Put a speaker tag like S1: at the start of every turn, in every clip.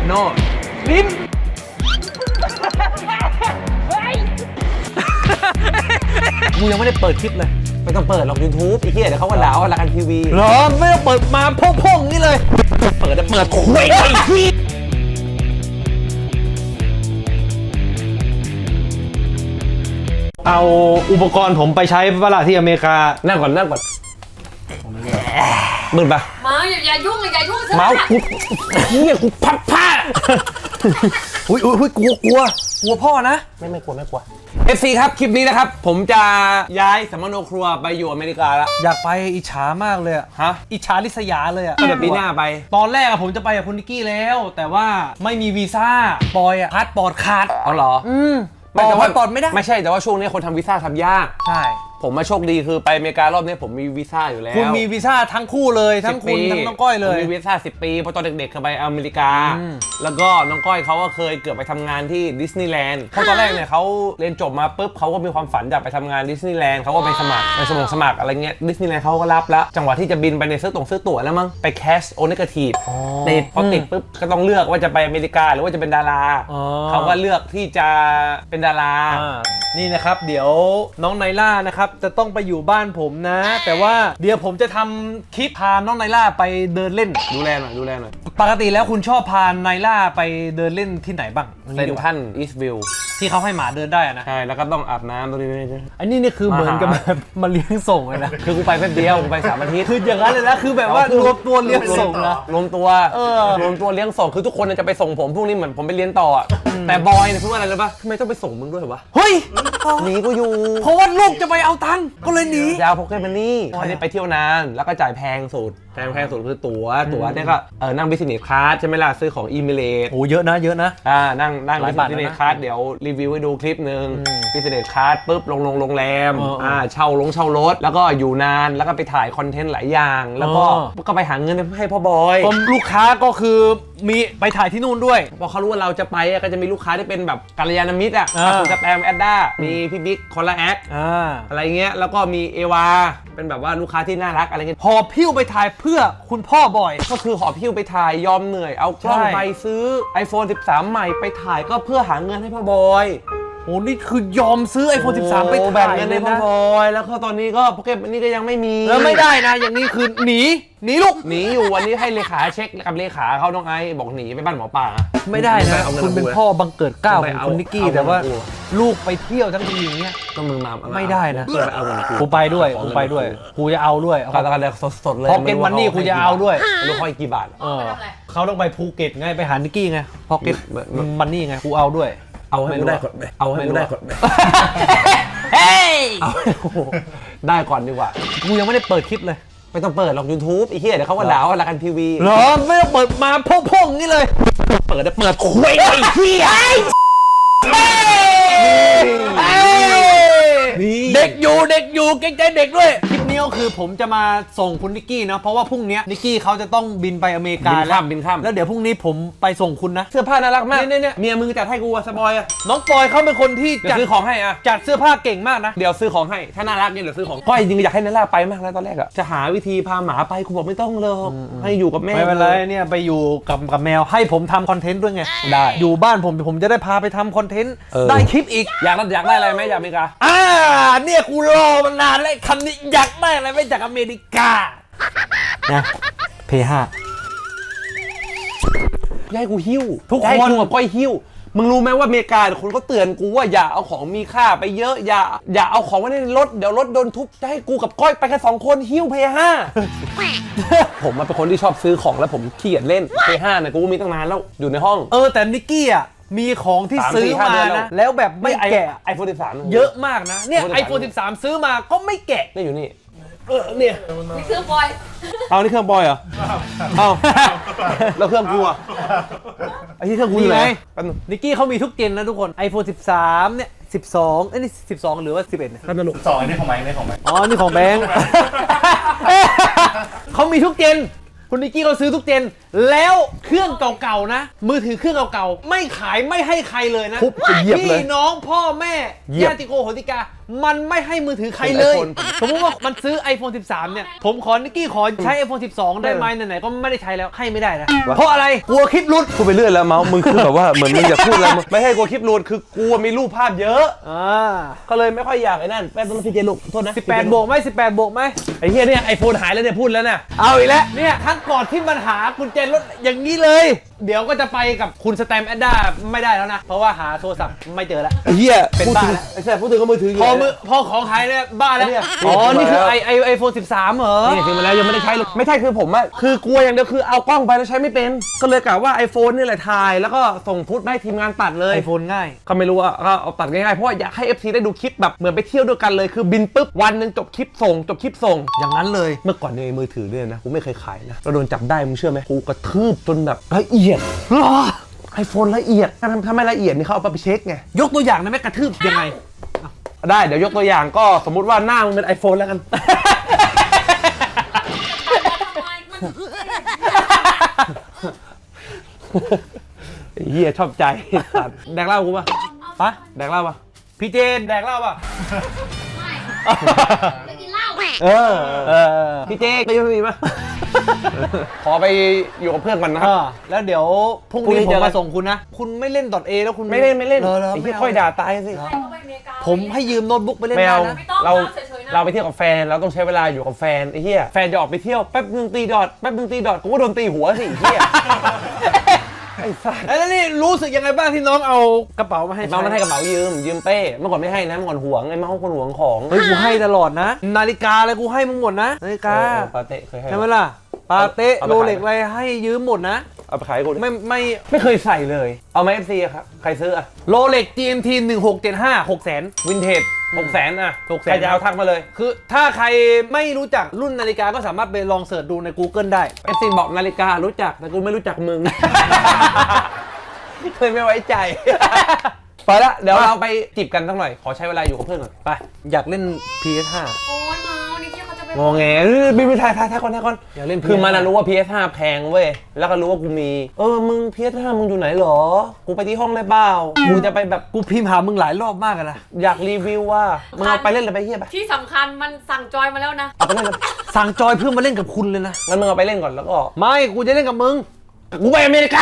S1: โน่ลิ้น
S2: กูยังไม่ได้เปิดคลิปเลย
S1: ไม่ต้องเปิดหรอก YouTube ไอ้เหี้ยเดี๋ยวเขาก็ด่าว่าละกันทีวี
S2: เหรอไม่ต้องเปิดมาพ่งๆนี่เลย
S1: เปิดคุยไอ้ที่
S2: เอาอุปกรณ์ผมไปใช้เวลาที่อเมริกา
S1: นั่งก่อนมึนปะ
S3: มาอย่ายุ่ง
S1: เมาส์กูเหี้ยกูพับผ้า
S2: อุ้ยกลัวพ่อนะ
S1: ไม่กลัวFC ครับคลิปนี้นะครับผมจะย้ายสมโนครัวไปอยู่อเมริกาแล้ว
S2: อยากไปอิจฉามากเลยอะ
S1: ฮะ
S2: อิจฉาริษยาเลยอะ
S1: เดี๋ยวปีหน้าไป
S2: ตอนแรกผมจะไปกับคุณนิกกี้แล้วแต่ว่าไม่มีวีซ่าปอยอะพาสปอร์ตขาด
S1: เอาเหรอ
S2: แต่ว่าตอนไม่ได้
S1: ไม่ใช่แต่ว่าช่วงนี้คนทำวีซ่าทำยาก
S2: ใช่
S1: ผมมาโชคดีคือไปอเมริการอบนี้ผมมีวีซ่าอยู่แล้ว
S2: คุณมีวีซ่าทั้งคู่เลยทั้งคุณทั้งน้องก้อยเลย
S1: มีวีซ่า10 ปีเพราะตอนเด็กๆเคยไปอเมริกาแล้วก็น้องก้อยเขาก็เคยเกือบไปทำงานที่ดิสนีย์แลนด์เพราะตอนแรกเนี่ยเขาเรียนจบมาปุ๊บเขาก็มีความฝันอยากไปทำงานดิสนีย์แลนด์เขาก็ไปสมัครอะไรเงี้ยดิสนีย์แลนด์เขาก็รับแล้วจังหวะที่จะบินไปในซื้อตั๋วแล้วมั้งไปแคสโอเนกาทีฟติดพอติดปุ๊บก็ต้องเลือกว่าจะไปอเมริกาหรือว่าจะเป็นดาราเขาก็เลือกที่จะเป็นดารา
S2: นี่นะครับเดี๋ยวน้องไนล่านะครับจะต้องไปอยู่บ้านผมนะแต่ว่าเดี๋ยวผมจะทำคลิปพาน้องไนล่าไปเดินเล่น
S1: ดูแลหน่อย
S2: ปกติแล้วคุณชอบพาไนล่าไปเดินเล่นที่ไหนบ้าง
S1: เซนทรัลอีสต์วิว
S2: ที่เขาให้หมาเดินได้นะ
S1: ใช่แล้วก็ต้องอาบน้ำตรงนี้
S2: อันนี้นี่คือเหมือนกับมาเลี้ยงส่งเลยนะ
S1: คือกูไปแป๊บเดียวกูไป3 อาทิตย์
S2: คืออย่างนั้นเลยนะคือแบบว่ารวมตัวเลี้ยงส่งนะ
S1: รวมตัวเลี้ยงส่งคือทุกคนจะไปส่งผมพวกนี้เหมือนผมไปเรียนต่อแต่บอยเนี่ยพูดอะไรเลยปะทำไมต้องไปส่งมึงด้วยวะ
S2: เฮ้ย
S1: หนีกูอยู่
S2: เพราะว่าลูกจะไปเอาตังค์ก็เลยหนี
S1: ยาวพกแค่มันนี่เขาไปเที่ยวนานแล้วก็จ่ายแพงสุดคือตั๋วเนี่ยก็นั่งบิสเนสคลาสใช่ไหมล่ะซื้อของอีเมเลต
S2: โอ้เยอะนะ
S1: นั่งบิสเนสคลาสเดี๋ยวรีวิวให้ดูคลิปนึงบิสเนสคลาสปุ๊บลงโรงแรมเช่ารถแล้วก็อยู่นานแล้วก็ไปถ่ายคอนเทนต์หลายอย่างแล้วก็ไปหาเงินให้พ่อบอย
S2: ลูกค้าก็คือมีไปถ่ายที่นู่นด้วย
S1: พอเขารู้ว่าเราจะไปก็จะมีลูกค้าที่เป็นแบบกัลยาณมิตรคุณสแตมแอดด้ามีพี่บิ๊กคอลลาแอคอะไรเงี้ยแล้วก็มีเอวาเป็นแบบว่าลูกค้าที่น่ารักอะไรเงี้ย
S2: หอบพิ้วไปถ่ายเพื่อคุณพ่อบอย
S1: ก็คือหอบพิ้วไปถ่ายยอมเหนื่อยเอากล้องไปซื้อ iPhone 13 ใหม่ไปถ่ายก็เพื่อหาเงินให้พ่อบอย
S2: โอ้นี่คือยอมซื้อ iPhone 13 ไปถ่าย
S1: แบ่งเงินให้พ่อบอยแล้วก็ตอนนี้ก็โปเกมอนนี่ก็ยังไม่มี
S2: แล้วไม่ได้นะอย่างนี้คือหนีลูก
S1: หนีอยู่วันนี้ให้เลขาเช็คกับเลขาเขาน้องไอ้บอกหนีไปบ้านหมอป่า
S2: ไม่ได้นะคุณเป็นพ่อบังเกิดเกล้าของคุณนิกกี้แต่ว่าลูกไปเที่ยวทั้งทีอย่างเงี้ย
S1: ต้องมึงมา
S2: ไม่ได้นะกูไปด้วยกูจะเอาด้วย
S1: เขาต้องการสดเลย
S2: พอเก็ตมันนี่กูจะเอาด้วย
S1: ลูกค่อยกี่บาท
S2: เขาต้องไปภูเก็ตไงไปหานิกกี้ไงพอเก็ตมันนี่ไงกูเอาด้วย
S1: เอาให้กูได้ก่อน
S2: เฮ้ย
S1: ได้ก่อนดีกว่า
S2: กูยังไม่ได้เปิดคลิปเลย
S1: ไม่ต้องเปิดหรอก YouTube ไอ้เหี้ยเดี๋ยวเขาก็ด่าว่าละกันทีวี
S2: เหรอไม่ต้องเปิดมาพ่งๆนี่เลย
S1: เปิดคุยไอ้เหี้ย
S2: เด็กอยู่เกรงใจเด็กด้วยคลิปนี้ก็คือผมจะมาส่งคุณนิกกี้นะเพราะว่าพรุ่งนี้นิกกี้เขาจะต้องบินไปอเมริกา
S1: บินข้าม
S2: แล้วเดี๋ยวพรุ่งนี้ผมไปส่งคุณนะ
S1: เสื้อผ้าน่ารักมากเนี่ยเมียมึงจัดให้กูสปอยอะ
S2: น้องปอยเขาเป็นคนที่
S1: จัดซื้อของให้อะ
S2: จัดเสื้อผ้าเก่งมากนะ
S1: เดี๋ยวซื้อของให้ถ้าน่ารักเนี่ยเดี๋ยวซื้อของก้อยจริงอยากให้นาล่าไปมากแล้วตอนแรกอะจะหาวิธีพาหมาไปกูบอกไม่ต้องเลยให้อยู่กับแม่
S2: ไม่เป็นไรเนี่ยไปอยู่กับแมวให้ผมทำคอนเทนต์ด้วยไง
S1: ได้
S2: อยู่บ้านผมจะได้พาไปทำคอนเทนต์ได้คลิปอีก
S1: อยากได้อะไรไหมอยากอเมริกา
S2: เนี่ยกูรอมานานแล้วคำนี้อยากได้อะไรไม่จากอเมริกานะP5
S1: ยายกูหิ้วทุกคนกับก้อยหิ้วมึงรู้ไหมว่าอเมริกาคนเขาเตือนกูว่าอย่าเอาของมีค่าไปเยอะอย่าเอาของไว้ในรถเดี๋ยวรถโดนทุบจะให้กูกับก้อยไปแค่2 คนหิ้วP5 ผมเป็นคนที่ชอบซื้อของแล้วผมขี้เกียจเล่นP5เนี่ยกูมีตั้งนานแล้วอยู่ในห้อง
S2: แต่นิกกี้อ่ะมีของที่ซื้อมานะแล้วแบบไม่แกะ
S1: iPhone 13
S2: เยอะมากนะเนี่ย iPhone 13ซื้อมาก็ไม่แกะ
S1: นี่อยู่นี่
S3: เนี่ยนี่เครื่องบอย
S1: นี่เครื่องบอยเหรอแล้วเครื่องกูอ่ะไอ้ที่เครื่องกูอยู่ไหน
S2: นิกกี้เขามีทุกเจนนะทุกคน iPhone 13เนี่ย12นี่12หรือว่า11เนี่ย
S4: 12นี่ของไม้นี่ของไม้
S2: นี่ของแบงค์เขามีทุกเจนคุณนิกกี้เขาซื้อทุกเจนแล้วเครื่องเก่าๆนะมือถือเครื่องเก่าๆไม่ขายไม่ให้ใครเลยนะ
S1: ทุบจะเหยียบเลย
S2: พี่น้องพ่อแม่
S1: เหยียบ
S2: ญาติโกโหติกามันไม่ให้มือถือใครเลย
S1: iPhone
S2: สมมติว่ามันซื้อ iPhone 13 เนี่ยผมขอนิกกี้ขอใช้ iPhone 12 ได้ไหมไหนๆก็ไม่ได้ใช้แล้วให้ไม่ได้นะเพราะอะไรกลัวคลิปหลุด
S1: พูดไปเรื่อยแล้วเมาส์มึงคือแบบว่าเหมือนมึงอยากพูดอะไรมึงไม่ให้กลัวคลิปรูดคือกลัวมีรูปภาพเยอะ ก็เลยไม่ค่อยอยากไอ้นั่นแป๊บนึงพี่เจลูกโทษนะ
S2: 18 บวกไหม18 บวกไหม
S1: ไอ้เหี้ยเนี่ยไอโฟนหายแล้วเนี่ยพูดแล้วเนี่ย
S2: เอาอีกแล้วเนี่ยครั้งก่อนที่มันหากุญแจรถอย่างนี้เลย เดี๋ยวก็จะไปกับคุณสแตมป์แอดด้าไม่ได้แล้วนะ เพราะว่าหาโทรศัพท์ไม่เจอแล้ว
S1: ไอ้เหี้ย
S2: เป็น
S1: พูด
S2: บ้า
S1: ถึง
S2: แล้ว
S1: ไอ้แซ่บพูดถึงก็มือถือ
S2: พอของหายเนี่ยบ้าแล้ว
S1: เนี่ย
S2: อ๋อ นี่คือ
S1: แล้ว
S2: ไอโฟน13 เหรอ
S1: นี่ซื้อมาแล้วยังไม่ได้ใช้เลยไม่ใช่คือผมอะคือกลัวอย่างเดียวคือเอากล้องไปแล้วใช้ไม่เป็นก็เลยกะว่า iPhone นี่แหละถ่ายแล้วก็ส่งฟุตให้ทีมงานตัดเลย
S2: ไอโฟนง่าย
S1: ก็ไม่รู้อะก็เอาตัดง่ายๆเพราะว่าอยากให้ FC ได้ดูคลิปแบบเหมือนไปเที่ยวด้วยกันเลยคือบินปุ๊บวันหนึงจบคลิปส่งจบคลิปส่ง
S2: อย่างนั้นเลย
S1: เมื่อก่อนในมือถือเนี่ยนะกูไม่เคยขายนะเราโดนจับได้มึงเชื่อไหมกูกระทืบจนแบบละเอียดไอโฟนละเอียดถ้าไม่ละเอียดนี่เขาเอาไปเช็คไง
S2: ยกตัวอย่างได้ไหมกระทืบยังไง
S1: ได้เดี๋ยวยกตัวอย่างก็สมมุติว่าหน้ามึงเป็น iPhone แล้วกัน ไอ้เหี้ยชอบใจสัตว์แดกเหล้ากูป่ะ
S2: ปะ
S1: แดกเหล้าป่ะ
S2: พี่เจนแดกเหล้าป่ะ
S3: ไม่กินเหล้า
S1: เออพี่เจ๊ก็ยังไม่มีป่ะ ขอไปอยู่กับเพื่อนก่อนนะครับ
S2: แล้วเดี๋ยวพรุ่ง
S1: พรุ่งนี้
S2: นี้ผม
S1: เจอกัน
S2: มาส่งคุณนะ คุณไม่เล่น .a แล้วคุณ
S1: ไม่เล่นไม่เล่น
S2: หรอ
S1: ไอ้
S2: ไม่
S1: เหี้ย
S2: เอา
S1: ค่อยด่าตายสิ
S3: เขาไปอเมริกา
S2: ผมให้ยืมโน้ตบุ๊กไปเล่น
S1: ไม่
S2: ได้
S1: เอา
S2: นะ
S1: เรา
S3: เฉยๆนะ
S1: เราไปเที่ยวกับแฟนเราต้องใช้เวลาอยู่กับแฟนไอ้เหี้ยแฟนจะออกไปเที่ยวแป๊บนึงตีดอทแป๊บนึงตีดอทกูก็โดนตีหัวสิไอ้เหี้ยไอ้สัส
S2: แล้วนี่รู้สึกยังไงบ้างที่น้องเอากระเป๋ามาให้
S1: เมาส์มันให้กระเป๋ายืมเป้เมื่อก่อนไม่ให้นะเมื่อก่อนหวงไอ้เมาส์คนหวงของ
S2: เฮ้ยกูให้ตลอดนะ นาฬิกาอะไรกูให้มึงหมดนะนาฬิกา
S1: ปาเต้เคยให้
S2: ใช่ไหมล่ะปาเต้
S1: เอาไป
S2: โร
S1: ขาย
S2: เล็กอะไรให้ยืมหมดนะ
S1: เอาไปขายให้กูดิ
S2: ไม่
S1: เคยใส่เลย เอาไหม FC อะครับใครซื้ออะ
S2: โรเล็ก GMT 1675 600,000
S1: วินเทจ600,000อะ
S2: 600,000
S1: ใครจะเอาทักมาเลย
S2: คือถ้าใครไม่รู้จักรุ่นนาฬิกาก็สามารถไปลองเสิร์ชดูใน Google ได้
S1: FC บอกนาฬิการู้จักแต่กูไม่รู้จักมึง เคยไม่ไว้ใจ ไปละเดี๋ยวเราไปจีบกันสักหน่อยขอใช้เวลาอยู่กับเพื่อนก่อน
S2: ไป อยากเล่น PS5
S3: โอ้ยเมานี่ที่เขาจะไป
S1: งอแงบินไปถ่ายก่อน
S2: อยากเล่น
S1: คือมันรู้ว่า PS5 แพงเว้ยแล้วก็รู้ว่ากูมีมึง PS5 มึงอยู่ไหนหรอกูไปที่ห้องได้เปล่ากูจะไปแบบ
S2: กูพิมพ์หามึงหลายรอบมากอะนะ
S1: อยากรีวิวว่ามึงเอาไปเล่นเลยไปเฮียไป
S3: ที่สำคัญมันสั่งจอยมาแล้วนะ
S1: เอาไปเล่นเลย
S2: สั่งจอยเพื่อมาเล่นกับคุณเลยนะ
S1: งั้นมึงเอาไปเล่นก่อนแล้วก็
S2: ไม่กูจะเล่นกับมึง
S1: กูไปอเมริกา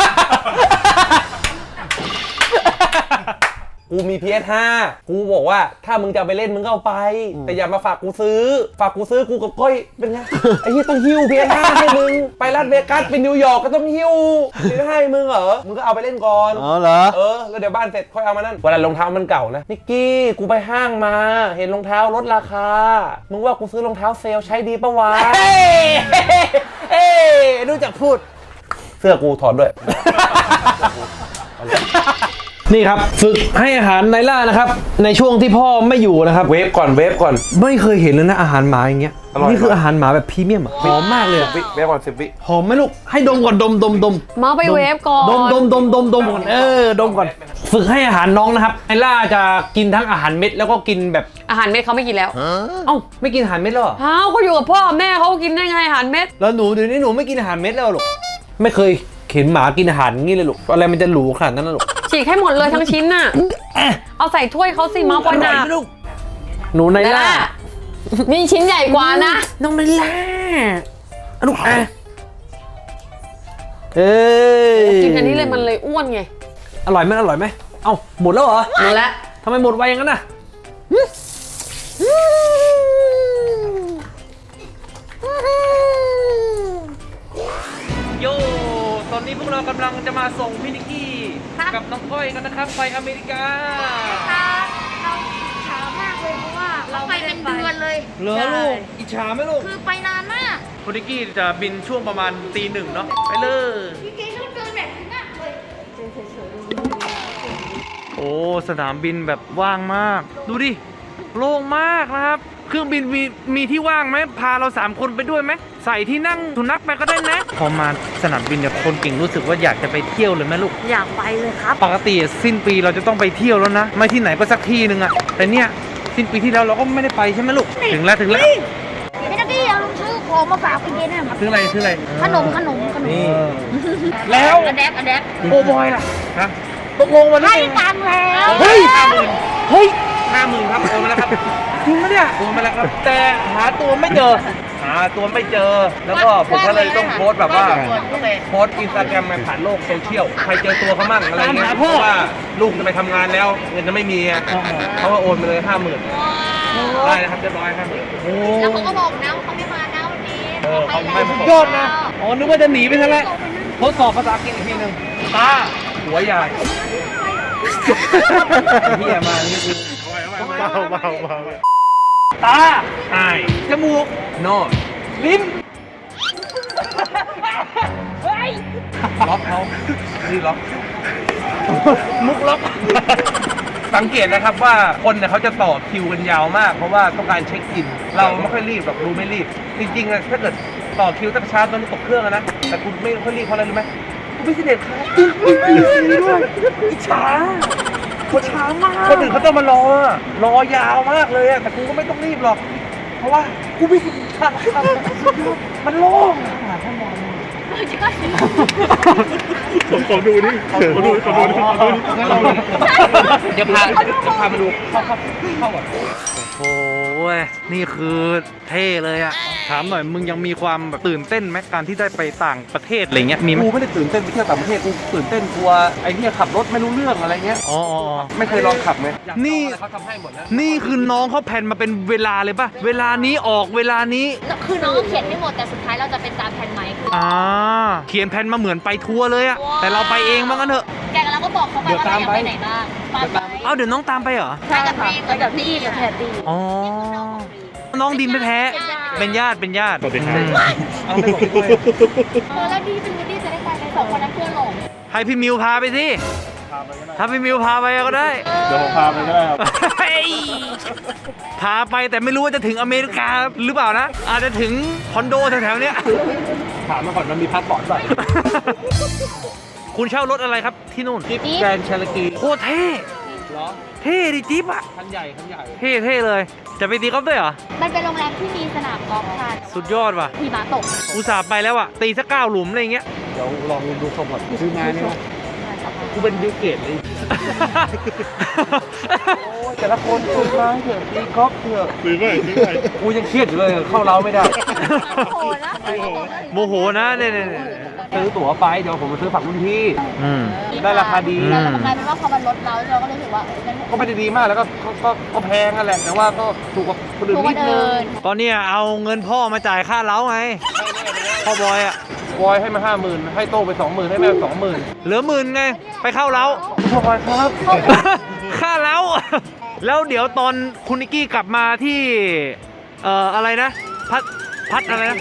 S1: กูมี PS5 กูบอกว่าถ้ามึงจะเอาไปเล่นมึงก็เอาไป แต่อย่ามาฝากกูซื้อกูกับก้อยเป็นไง ไอ้เหี้ยต้องหิ้ว PS5 ให้มึง ไปลาสเวกัสไปนิวยอร์กก็ต้องหิ้ว PS5 ให้มึงเหรอ มึงก็เอาไปเล่นก่อน
S2: อ๋อเหรอ
S1: แล้วเดี๋ยวบ้านเสร็จค่อยเอามานั่นเวลารองเท้ามันเก่านะนิกกี้กูไปห้างมา เห็นรองเท้าลดราคา มึงว่ากูซื้อรองเท้าเซลล์ใช้ดีปะวะ
S2: เอ้รู้จักพูด
S1: เสื้อกูถอดด้วย
S2: นี่ครับฝึกให้อาหารไนล่านะครับในช่วงที่พ่อไม่อยู่นะครับ
S1: เวฟก่อน
S2: ไม่เคยเห็นเลยนะอาหารหมาอย่างเงี้ย
S1: อร่อย
S2: นี่คืออาหารหมาแบบพรีเมียมอะหอมมากเลยอะ
S1: เวฟก่อน10 วิ
S2: หอมไหมลูกให้ดมก่อนดม
S3: เมาไปเวฟก่อน
S2: ดมก่อนดมก่อนฝึกให้อาหารน้องนะครับไนล่าจะกินทั้งอาหารเม็ดแล้วก็กินแบบ
S3: อาหารเม็ดเขาไม่กินแล้ว
S2: เอ้าไม่กินอาหารเม็ดแล้วเหรอ
S3: เอ้าเขาอยู่กับพ่อแม่เขากินได้ไงอาหารเม็ด
S2: แล้วหนูเดี๋ยวนี้หนูไม่กินอาหารเม็ดแล้วหรอไม่เคยเห็นหมากินอาหารงี้เลยลูกอะไรมันจะหรูขนาดนั้นนะลูก
S3: ฉีกให้หมดเลยทั้งชิ้นน่ะ เอาใส่ถ้วยเขาสิเมาปอยหนา
S2: ไหมลูกหนูไนล่า
S3: นี่ชิ้นใหญ่กว่านะ
S2: น้องไนล่าลูกเอ้ย
S3: กินอันนี้เลยมันเลยอ้วนไง
S2: อร่อยไหมเอ้าหมดแล้วเหรอ
S3: หมดแล้ว
S2: ทำไมหมดไวอย่างนั้นน่ะโยตอนนี้พวกเรากำลังจะมาส่งพี่นิกกี้กับน้องก้อยกันนะครับไปอเมริกา
S4: เราช้ามากเลยเพราะว่าเราไปเป็นเดือนเลย
S2: เหรอลูกอิจฉาไหมลูก
S4: คือไปนานมาก
S2: คุณนิกกี้จะบินช่วงประมาณตี 1เนาะไปเลย
S4: พี่เกชอบเดินแบบนี้มากเลย
S2: โอ้สนามบินแบบว่างมาก ดูดิโล่งมากนะครับ เครื่องบินมีที่ว่างไหมพาเรา3คนไปด้วยไหมใส่ที่นั่งสุนัขไปก็ได้นะพอมาสนามบินเนี่ยคนเก่งรู้สึกว่าอยากจะไปเที่ยวเลยไหมลูก
S4: อยากไปเลยครับ
S2: ปกติสิ้นปีเราจะต้องไปเที่ยวแล้วนะ ไม่ที่ไหนก็สักที่หนึ่งอะแต่เนี่ยสิ้นปีที่แล้วเราก็ไม่ได้ไปใช่ไหมลูกถึงแล้ว
S4: พี่นักกี้เอาลงชื่อผมของมาฝากพี่เจเนี่ย
S2: ซื้ออะไรซื้ออะไร
S4: ขนม
S2: นี่ แล้ว
S4: อแดก
S2: โกบอยล่ะฮะตกลงวันนี้
S4: ให้ตังค์แล้ว
S2: เฮ้ย50,000ครับโอนมาแล้วครับจริงไหมเนี่ยโอนมาแล้วครับ แต่หาตัวไม่เจอ แล้วก็ผมก็เลยต้องโพสต์แบบว่าโพสต์อินสตาแกรมผ่านโลกโซเชียลใครเจอตัวเขามั่งอะไรเงี้ยเพราะว่าลูกจะไปทำงานแล้วเงินจะไม่มีไงเขาก็โอนไปเลย50,000ได้นะครับเรียบร้อยครับ
S4: แล้วเขาก็บอกนะว่าเขาไม่มานะวันนี้
S2: เขาไม่สุดยอดนะอ๋อนึกว่าจะหนีไปซะแล้วทดสอบภาษาอังกฤษอีกทีหนึ่งตาหัวใหญ่เฮียมานี่คือตาไอจมูกโนลิ้นล็อกเขานี่ล็อกมุกล็อกสังเกตนะครับว่าคนเนี่ยเขาจะต่อคิวกันยาวมากเพราะว่าต้องการเช็คอินเราไม่ค่อยรีบหรอกดูไม่รีบจริงๆนะถ้าเกิดต่อคิวตั้งช้าตอนนี้ตกเครื่องนะแต่คุณไม่ค่อยรีบเพราะอะไรรู้ไหมคุณไม่เสด็จครับด้วยอิจฉาคนช้ามากคนอื่นเขาต้องมารอยาวมากเลยแต่กูก็ไม่ต้องรีบหรอกเพราะว่ากูไม่เสด็จครับมันโล่ง
S5: ขอดูนี่ขอดู
S2: งั้นเราเดี๋ยวพามาดูเข้าก่อนโอ้โหนี่คือเท่เลยอะถามหน่อยมึงยังมีความแบบตื่นเต้นไหมการที่ได้ไปต่างประเทศอะไรเงี้ยมีไหม
S1: กูไม่ได้ตื่นเต้นไปเที่ยวต่างประเทศกูตื่นเต้นกลัวไอ้เนี่ยขับรถไม่รู้เรื่องอะไรเงี้ย
S2: อ๋อ
S1: ไม่เคยลองขับไหม
S2: นี่
S1: เขาทำให้หมดนะ
S2: นี่คือน้องเขาแผนมาเป็นเวลาเลยป่ะเวลานี้ออกเวลานี้
S4: คือน้องก็เขียนไม่หมดแต่สุดท้ายเราจะเป็นตามแผนไหมคือ
S2: เขียนแผนมาเหมือนไปทัวร์เลยอะแต่เราไปเองบ้างกันเถอะ
S4: แกกับเราก็บอกเขาไปว่าเราอยากไปไหนบ้างไป
S2: เอาเดี๋ยวน้องตามไปเหรอ
S4: ไปกับพี่กับแพรตี
S2: อ๋อน้องดินแท้ๆเป็นญาติ
S5: สวัสดีครับ
S2: เอาไปบอกพี่ด้วย
S4: แล้วดีเป็นดีจะได้ไปใน2 คนนั้นเพื่อนหลง
S2: ให้พี่มิวพาไปสิถ้าพี่มิวพาไปก็ได้
S5: เดี๋ยวผมพาไปก็ได้ครับ
S2: เฮ้ยพาไปแต่ไม่รู้ว่าจะถึงอเมริกาหรือเปล่านะ อาจจะถึงคอนโดแถวๆเนี้ย
S1: ถามมาก่อนมันมีพาสปอร์ตป่ะ
S2: คุณเช่ารถอะไรครับที่นู่น
S1: จิ๊บแกรนด์เชลกี
S2: โคตรเท่
S1: เหรอ
S2: เท่ดิจิ๊บอะ
S1: คันใหญ่
S2: เท่เลย จะไปตีกอล์ฟด้วยเหรอ
S4: มันเป็นโรงแรมที่มีสนามกอล์ฟค่ะ
S2: สุดยอดว่ะ
S4: หิมะตก
S2: อุตส่าห์ไปแล้วอะตีสัก9 หลุมอะไรอย่างเงี้ย
S1: เดี๋ยวลองดูทรงก่อนซื้อมาเนี่ยกูเป็นบิลเกตเลยโอ้ยแต่ละคนซื้อมาเถอะตีกอล์ฟเถอะ
S5: ซื้อไป
S1: กูยังเครียดอยู่เลยเข้าเล้าไม่ได้
S4: โหนะ
S2: โมโหนะเนี่ย
S1: ซื้อตั๋วไปเดี๋ยวผมมาซื้อฝั่งรุ่นพี่
S2: อืม
S1: ได้ราคาดี
S4: แล้วมันกลายเป็นว่าพอมันลดเราเราก็รู้สึกว่างั้น
S1: ก็ไม่ได้ดีมากแล้วก็แพงนั่นแหละแต่ว่าก็ถูกกว่าคนอื่น
S4: ทุก
S1: นิ
S4: วั
S1: ด
S4: น
S1: นึ
S4: เดิ
S1: ง
S4: น
S2: ตอนเนี้ยเอาเงินพ่อมาจ่ายค่าเล้าไงพ่อบอยอะ
S1: บอยให้มา 50,000ให้โต้ไป 20,000ให้แม่20,000
S2: เหลือ10,000ไงไปเข้าเล้า
S1: พ่อบอยครับ
S2: ค่าเล้า แล้วเดี๋ยวตอนคุณนิกกี้กลับมาที่อะไรนะพัดอะไรนะ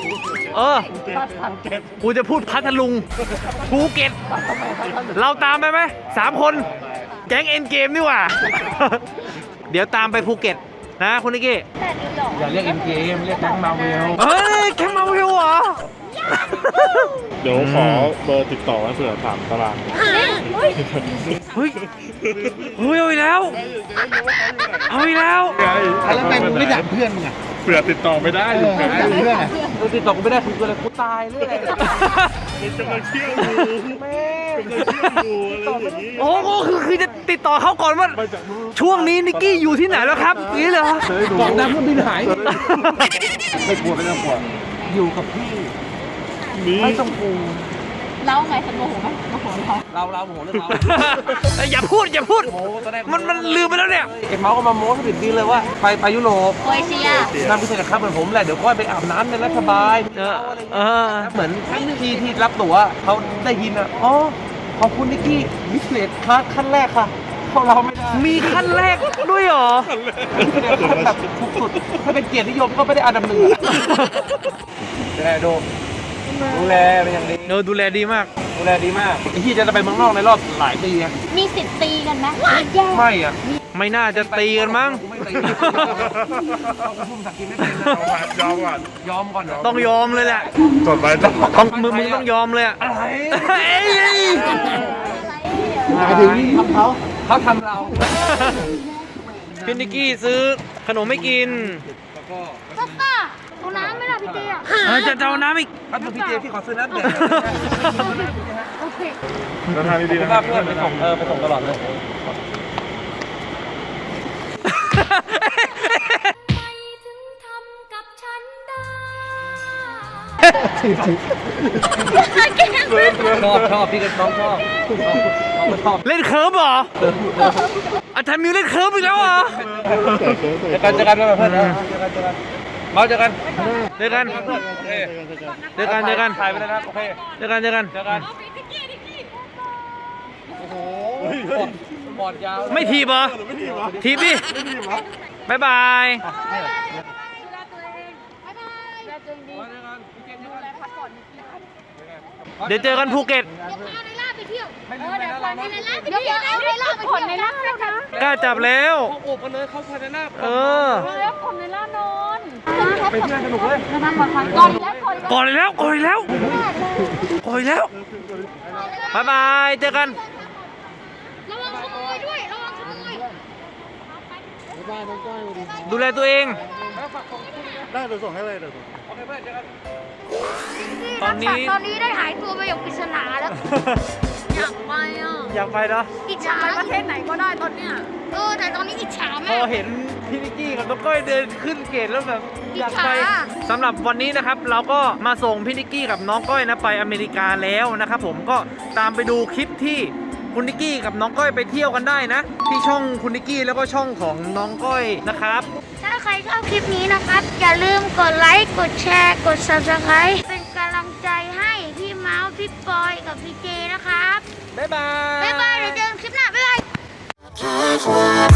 S2: กูจะพูดพัทลุงภูเก็ตเราตามไปไหม3 คนแก๊งเอ็นเกมนี่หว่า เดี๋ยวตามไปภูเก็ตนะคุณนิกกี้
S4: แต่นิวยอร์ก
S1: อย่าเรียกเอ็นเกมเรียกแก๊งมาเวล
S2: เฮ้ยแก๊งมาวิวเหรอ
S5: เดี๋ยวขอเบอร์ติดต่อไว้เผื่อถามตาราง
S2: เฮ้ยเอาอีกแล้ว
S5: แล้วทำไมมึงไม่ถามเพื่อนมึงอ่ะเผื่อติดต่อไม่ได้อยู่ไง
S1: เพื่อนอ่ะติดต่อกูไม่ได้คืออะไรกูตายเรื่อย
S5: มันจะมาเที่ยวดูแม่จะเที่ยวดูอะไรอย่างนี้
S2: โอ้โหคือจะติดต่อเขาก่อนว่า
S5: มาจาก
S2: ช่วงนี้นิกกี้อยู่ที่ไหนแล้วครับนี่เหรอ
S1: บอกน้ำเครื่องบินหายไม่กลัวไม่ต้องกลัวอยู่กับพี่
S5: นี้
S1: ไม่ต้องกลัว
S4: เล่าไงฉันโมโหไหมโมโหเรา
S1: เราโมโหเรื่องเรา
S2: อย่าพูด
S1: โอ้ตอนแรก
S2: มันลืมไปแล้วเนี่ย
S1: เก็บเมาส์ก็มาโม้สนิทดีเลยว่าไปยุโรป
S4: โคเอเชีย
S1: นั่งพิเศษกับครับเหมือนผมแหละเดี๋ยวก็ไปอาบน้ำในรัฐบาล
S2: เห
S1: มือนที่รับตั๋วเขาได้ยินอ่ะอ๋อขอบคุณนิกกี้บิสเนสคลาสขั้นแรกค่ะพวกเราไม่ได้
S2: มีขั้นแรกด้วยเหรอ
S1: ขั้นแบบถูกสุดถ้าเป็นเกียรตินิยมก็ไม่ได้อันดับ 1แต่ดูแลเป็นอย่างดี
S2: ดูแลดีมาก
S1: ดูแลดีมากไอ้ที่จะไปเมืองนอกในรอบหลายปีอะ
S4: มีสิทธิ์ตีกันไหมแย่
S1: ไม่อ่ะ
S2: ไม่น่าจะตีกันมั้ง
S1: กูไม่ตีเอาพุ่มสักกินไม่เป็นนะ
S5: ยอมก่อน
S1: ยอมก่อน
S2: ต้องยอมเลยแหละ
S5: ต่อไปต้อง
S2: ต้องมึงต้องยอมเลยอะ
S1: อะไร
S2: เอ้ย
S1: หมายถึงทำเขาทำเรา
S2: พี่นิกกี้ซื้อขนมไม่กิน
S1: แล้วก็
S4: ป้าเอาน้ำไหมล่ะพี่เตี้ย
S2: จะเอาน้ำอีก
S1: ครับพี่เจพี่ขอซื้อน้ำเด็ก
S4: โอเค
S5: ราคาดีๆนะ
S1: ว่าเพื่อนไปส่งไปส่งตลอดเลยชอบพี่ก็น้องชอบชอบ
S2: เล่นเคิร์ฟเหรอ อาจารย์มิวเล่นเคิร์ฟอีกแล้วเหรอ
S1: เจอกันเพื่อนเมาเจอกัน
S2: เจอกัน
S1: โอเค
S2: เจอกันเจอกัน
S1: ถ่ายไปแล้วนะโอเค
S2: เจอกันเจอกัน
S1: เจอกันโอ้โหบอดยาว
S2: ไม่ทีบเหรอ
S5: ไม่ดีวะ
S2: ทีบดิ
S5: ไม่ดีวะ
S2: บ๊ายบาย
S4: ดูแลตัวเองบ๊ายบายดูแลตัวเองดี
S2: เดี๋ยวเจอกันภูเก็ต
S4: เดี๋ยวพาในล่าไปเที่ยวเดี๋ยวพาในล่าไปเที่ยวเดี๋ยวในล่าไปเที่ยวในล่านะคะ
S2: กล้าจับแล้ว
S1: เขาโอบกันเลยเขาภายในหน้า
S2: เออ
S3: แล้วคนในล่านอน
S1: ไปเที่ยวสนุกเลย
S4: ก่อนแล้วก่อน
S2: ก่อนเลยแล้วก่อนเลยแล้วก่อนเลยแล้วบ๊ายบายเจอกัน
S4: ระวังขโมยด้วยระวังขโมย
S2: ดูแลตัวเอง
S5: ได้เดี๋ยวส่งให้เลยเดี๋ยวส่ง
S1: โอเคเพื่อนเจอกัน
S2: ตอนนี้
S4: ตอนนี้ได้หายตัวไปอย่างปริศนาแล้ว
S3: อยากไปอ่ะ
S2: อยากไปเนาะ
S4: อิจฉา
S3: ไปประเทศไหนก็ได้ตอนเนี้ย
S4: แต่ตอนนี้อิจฉา
S2: พ
S4: มา
S2: อก เห็นพี่นิกกี้กับน้องก้อยเดินขึ้นเกตแล้วแบบอยากไป
S4: อิจฉา
S2: สำหรับวันนี้นะครับ เราก็มาส่งพี่นิกกี้กับน้องก้อยนะไปอเมริกาแล้วนะครับผมก็ตามไปดูคลิปที่คุณนิกกี้กับน้องก้อยไปเที่ยวกันได้นะ ที่ช่องคุณนิกกี้แล้วก็ช่องของน้องก้อยนะครับ
S4: ถ้าใครชอบคลิปนี้นะครับ อย่าลืมกดไลค์กดแชร์กด subscribe เป็นกำลังใจให้พี่เมาส์พี่ปอยกับพี่เจนะครับ
S2: บ๊ายบาย
S4: บ๊ายบายเดี๋ยวเจอกันคลิปหน้าบ๊ายบาย
S6: Just wanna